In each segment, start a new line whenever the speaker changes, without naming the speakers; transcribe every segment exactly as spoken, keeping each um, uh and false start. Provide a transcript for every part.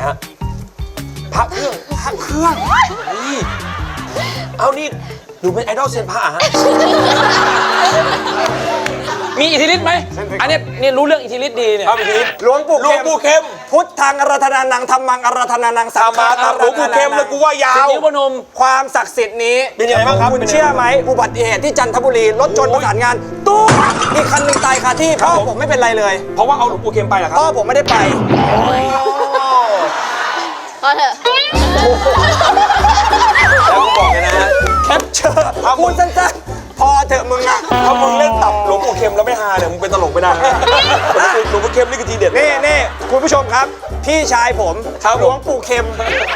ฮะพระเครื่องพระเครื่องนี่เอานี่หนูเป็นไอดอลเซียนพระฮะ
มีอิทธิฤทธิ์ไหมอันนี้นี่รู้เรื่องอิทธิฤทธิ์ดีเนี่ย
ครับอิทธิฤทธิ์
หลวงปู่
หลวงปู่เข้ม
พุทธังอารัธนานังธรรมังอารัธนานังสังฆังอารัธนานัง
หลวงปู่เข้มเลยกูว่ายา
สิบ
ว
นิ้วพนม
ความศักดิ์สิทธิ์นี้
เป็นยังไงบ้างครับ
คุณเชื่อไหมอุบัติเหตุที่จันทบุรีรถชนประสานงานตู้อีกคันหนึ่งตายคาที่พ่อผมไม่เป็นไรเลย
เพราะว่าเอาหลวงปู่เข้มไปเหรอครั
พ่อบ ผมไม่ได้ไป
พอเถอะ
แล้วกูบอกเลยนะฮะ
แคปเจอร์พูดสั้นๆพอเถอะมึงอะ
ถ้ามึงเล่นตับหลวงปู่เข้มแล้วไม่ฮาเนี่ยมึงเป็นตลกไม่ได้หลวงปู่เข้มนี่คือทีเด็ด
นี่นี่คุณผู้ชมครับ พี่ชายผม
ครับ
หลวงปู่เข็ม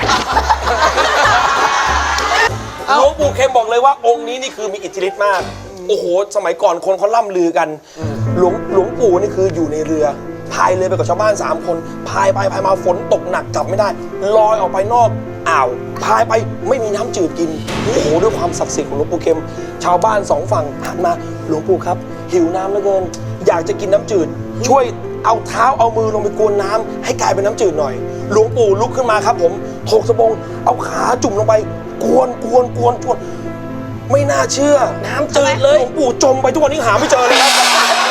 หลวงปู่เข้มบอกเลยว่าองค์นี้นี่คือมีอิทธิฤทธิ์มากโอ้โหสมัยก่อนคนเขาล่ำลือกันหลวงหลวงปู่นี่คืออยู่ในเรือพายเรือไปกับชาวบ้านสามคนพายไปพายมาฝนตกหนักกลับไม่ได้ลอยออกไปนอกอ่าวพายไปไม่มีน้ำจืดกินโอ้โหด้วยความศักดิ์สิทธิ์ของหลวงปู่เข้มชาวบ้านสองฝั่งหันมาหลวงปู่ครับหิวน้ำเหลือเกินอยากจะกินน้ำจืดช่วยเอาเท้าเอามือลงไปกวนน้ำให้กลายเป็นน้ำจืดหน่อยหลวงปู่ลุกขึ้นมาครับผมถกสบงเอาขาจุ่มลงไปกวนกวนกวนกวนไม่น่าเชื่อน้ำจืดเลยหลวงปู่จมไปทุกวันนี้หาไม่เจอเลยครับ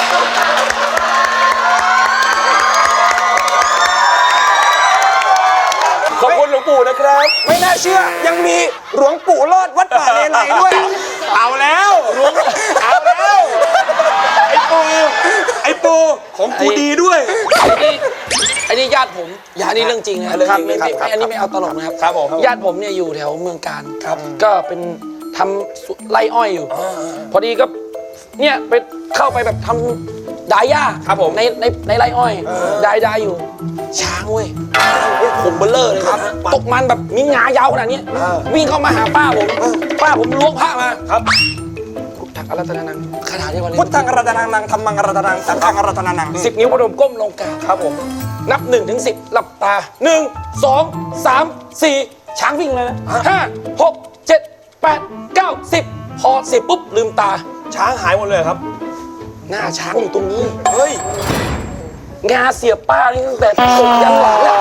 ขอบคุณหลวงปู่นะครับ
ไม่น่าเชื่อยังมีหลวงปู่รอดวัดป่าเลไลด้วย
เอาแล้วหลวงเอาแล้วไอ้ปูไอ้ปูของกูดีด้วย
ไอ้นี่ไอ้นี่ญาติผมอันนี้เรื่องจริงนะ
เรื่องจริง
ไม่ไม่
ครับ
ไม่อันนี้ไม่เอาตลกนะครับ
ครับผม
ญาติผมเนี่ยอยู่แถวเมืองการ
ครับ
ก็เป็นทำสวนไร่อ้อยอยู่ พอดีก็เนี่ยไปเข้าไปแบบทำดายหญ้า
ครับผม
ในในในไร่อ้อยดายดายอยู่ ช้างเว้ยผมเบลเลอร์เลยครับตกมันแบบมีงายาวขนาดนี้วิ่งเข้ามาหาป้าผมป้าผมล้วงผ้ามา
ครับ
พุทธังอารัธนานังคาถาที่วันนี้
พุทธังอารัธนานังธรรมังอารัธนานังสังฆังอารัธนานัง
สิบนิ้วพนมก้มลงกราบ
ครับผม
นับหนึ่งถึงสิบหลับตาหนึ่งสองสามสี่ช้างวิ่งเลยนะห้าหกเจ็ดแปดเก้าสิบพอสิบปุ๊บลืมตา
ช้างหายหมดเลยครับ
หน้าช้างอยู่ตรงนี้
เฮ้ย
งาเสียบป้านี่ตั้งแต่ตกยันหลังแล้ว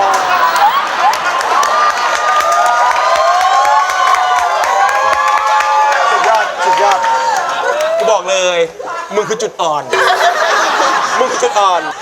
สุดยอดสุดยอดกูบอกเลยมึงคือจุดอ่อนมึงคือจุดอ่อน